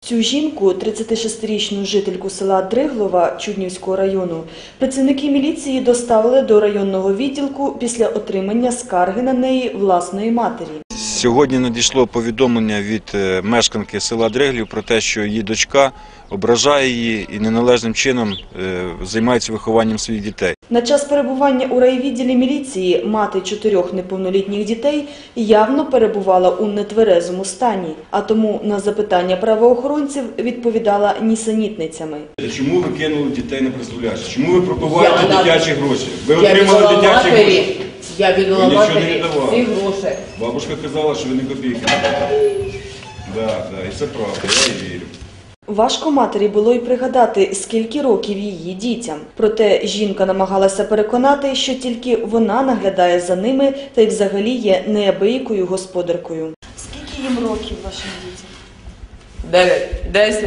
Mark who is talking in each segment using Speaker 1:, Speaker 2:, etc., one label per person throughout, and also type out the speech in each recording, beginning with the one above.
Speaker 1: Цю жінку, 36-річну жительку села Дриглова Чуднівського району, працівники міліції доставили до районного відділку після отримання скарги на неї власної матері.
Speaker 2: Сьогодні надійшло повідомлення від мешканки села Дриглів про те, що її дочка ображає її і неналежним чином займається вихованням своїх дітей.
Speaker 1: На час перебування у райвідділі міліції мати 4 неповнолітніх дітей явно перебувала у нетверезому стані, а тому на запитання правоохоронців відповідала нісенітницями.
Speaker 2: Чому ви кинули дітей на призволяще? Чому ви пропиваєте дитячі гроші? Ви отримали дитячі гроші?
Speaker 3: Я віддала матері всі гроші.
Speaker 2: Бабушка казала, що ви не копійки не давали. Так, і це правда, я їй вірю.
Speaker 1: Важко матері було й пригадати, скільки років її дітям. Проте жінка намагалася переконати, що тільки вона наглядає за ними та й взагалі є неабиякою господаркою. Скільки їм років вашим дітям?
Speaker 3: 9, 10,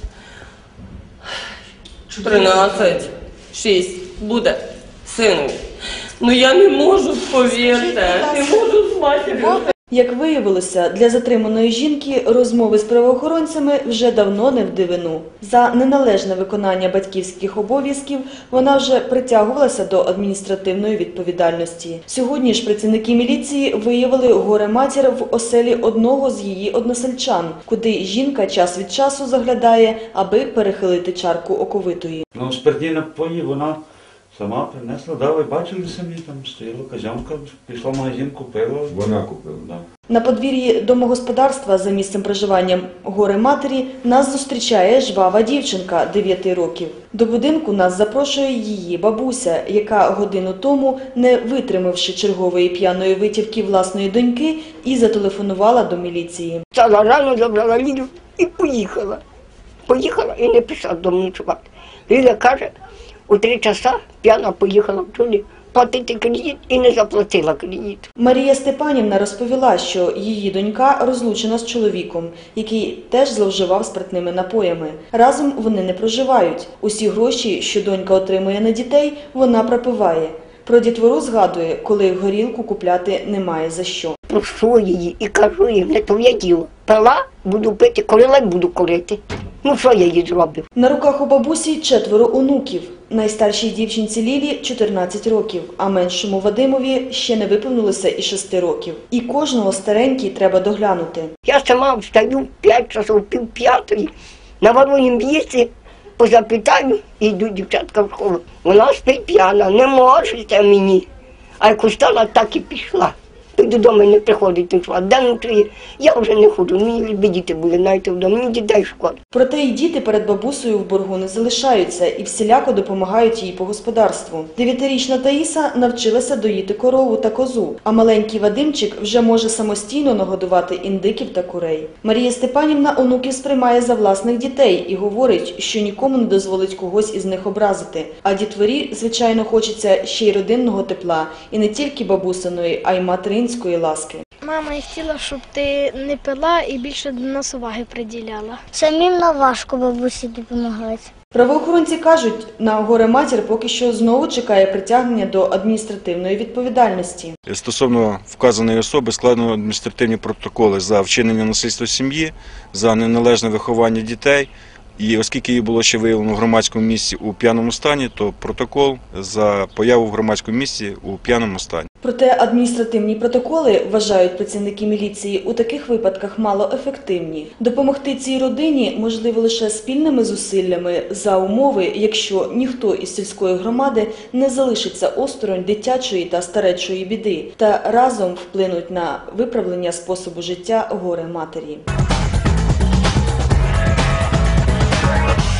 Speaker 3: 13, 6. Буде, сину. Ну я не можу, повірте, не можу з матір'ю.
Speaker 1: Як виявилося, для затриманої жінки розмови з правоохоронцями вже давно не в дивину. За неналежне виконання батьківських обов'язків вона вже притягувалася до адміністративної відповідальності. Сьогодні ж працівники міліції виявили горе-матір в оселі одного з її односельчан, куди жінка час від часу заглядає, аби перехилити чарку оковитої.
Speaker 4: Спиртні напої вона сама принесла, ви бачили самі, там стояла казянка, пішла в магазин, купила.
Speaker 2: Вона купила?
Speaker 4: Да.
Speaker 1: На подвір'ї домогосподарства за місцем проживання горе-матері нас зустрічає жвава дівчинка 9 років. До будинку нас запрошує її бабуся, яка годину тому, не витримавши чергової п'яної витівки власної доньки, і зателефонувала до міліції.
Speaker 5: Встала рано, забрала Лілю і поїхала. Поїхала і не пішла додому ночувати. Ліля каже, у 3 часа п'яна поїхала в Тулі платити кредит і не заплатила кредит.
Speaker 1: Марія Степанівна розповіла, що її донька розлучена з чоловіком, який теж зловживав спиртними напоями. Разом вони не проживають. Усі гроші, що донька отримує на дітей, вона пропиває. Про дітвору згадує, коли горілку купляти немає за що.
Speaker 5: Прошу її і кажу їм, не твоє діло. Пила, буду пити, курила, буду курити. Ну що я їй зроблю?
Speaker 1: На руках у бабусі 4 онуків. Найстаршій дівчинці Лілі 14 років, а меншому Вадимові ще не виповнилося і 6 років. І кожного старенький треба доглянути.
Speaker 5: Я сама встаю в 5 часов, пів п'ятої, навару їм їсти, позапитаю і йду дівчатка в школу. Вона спить п'яна, не можете мені. А як устала, так і пішла. Додому не приходить, не йшла. Де ночує, я вже не ходжу, мені ліби діти були, навіть вдома, мені дітей шкода.
Speaker 1: Проте і діти перед бабусею в боргу не залишаються і всіляко допомагають їй по господарству. 9-річна Таїса навчилася доїти корову та козу, а маленький Вадимчик вже може самостійно нагодувати індиків та курей. Марія Степанівна онуків сприймає за власних дітей і говорить, що нікому не дозволить когось із них образити. А дітворі, звичайно, хочеться ще й родинного тепла, і не тільки бабусиної, а й материнської ласки.
Speaker 6: Мама, я хотіла, щоб ти не пила і більше до нас уваги приділяла.
Speaker 7: Самим важко бабусі допомагати.
Speaker 1: Правоохоронці кажуть, на горе-матір поки що знову чекає притягнення до адміністративної відповідальності.
Speaker 2: Стосовно вказаної особи складено адміністративні протоколи за вчинення насильства в сім'ї, за неналежне виховання дітей. І оскільки її було ще виявлено в громадському місці у п'яному стані, то протокол за появу в громадському місці у п'яному стані.
Speaker 1: Проте адміністративні протоколи, вважають працівники міліції, у таких випадках малоефективні. Допомогти цій родині можливо лише спільними зусиллями за умови, якщо ніхто із сільської громади не залишиться осторонь дитячої та старечої біди та разом вплинуть на виправлення способу життя горе-матері.